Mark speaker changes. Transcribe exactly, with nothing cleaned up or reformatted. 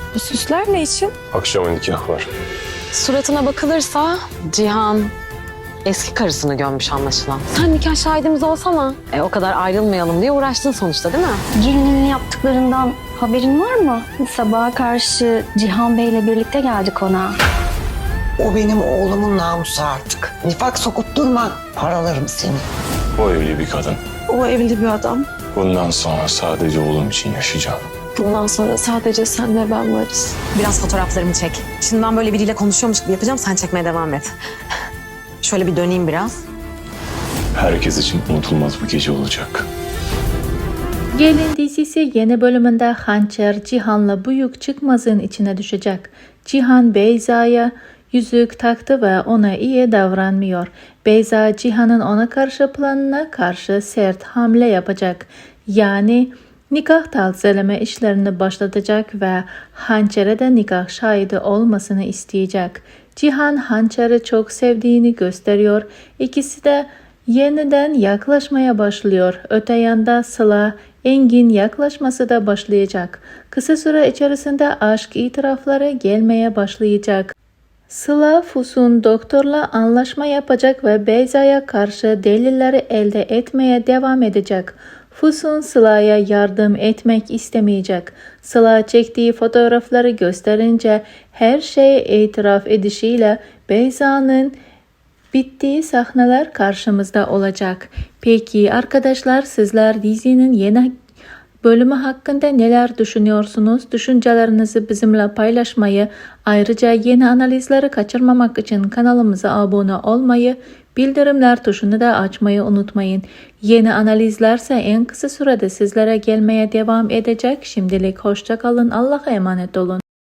Speaker 1: Bu süsler ne için?
Speaker 2: Akşama nikah var.
Speaker 3: Suratına bakılırsa Cihan eski karısını gömmüş anlaşılan.
Speaker 1: Sen nikah şahidimiz olsana.
Speaker 3: E o kadar ayrılmayalım diye uğraştın sonuçta değil mi?
Speaker 4: Gelinin yaptıklarından haberin var mı? Sabaha karşı Cihan Bey'le birlikte geldik ona.
Speaker 5: O benim oğlumun namusu artık. Nifak sokup durma, paralarım seni.
Speaker 2: O evli bir kadın.
Speaker 1: O evli bir adam.
Speaker 2: Bundan sonra sadece oğlum için yaşayacağım.
Speaker 1: Bundan sonra sadece sen ve ben varız.
Speaker 3: Biraz fotoğraflarımı çek. Şimdi ben böyle biriyle konuşuyormuş gibi yapacağım. Sen çekmeye devam et. Şöyle bir döneyim biraz.
Speaker 2: Herkes için unutulmaz bir gece olacak.
Speaker 6: Gelin dizisi yeni bölümünde Hançer Cihan'la Büyük Çıkmaz'ın içine düşecek. Cihan Beyza'ya yüzük taktı ve ona iyi davranmıyor. Beyza Cihan'ın ona karşı planına karşı sert hamle yapacak. Yani nikah tazeleme işlerini başlatacak ve Hançer'e de nikah şahidi olmasını isteyecek. Cihan Hançer'i çok sevdiğini gösteriyor. İkisi de yeniden yaklaşmaya başlıyor. Öte yanda Sıla, Engin yaklaşması da başlayacak. Kısa süre içerisinde aşk itirafları gelmeye başlayacak. Sıla Füsun doktorla anlaşma yapacak ve Beyza'ya karşı delilleri elde etmeye devam edecek. Füsun Sıla'ya yardım etmek istemeyecek. Sıla çektiği fotoğrafları gösterince her şeye itiraf edişiyle Beyza'nın bittiği sahneler karşımızda olacak. Peki arkadaşlar, sizler dizinin yeni bölümü hakkında neler düşünüyorsunuz? Düşüncelerinizi bizimle paylaşmayı, ayrıca yeni analizleri kaçırmamak için kanalımıza abone olmayı, bildirimler tuşunu da açmayı unutmayın. Yeni analizlerse en kısa sürede sizlere gelmeye devam edecek. Şimdilik hoşça kalın, Allah'a emanet olun.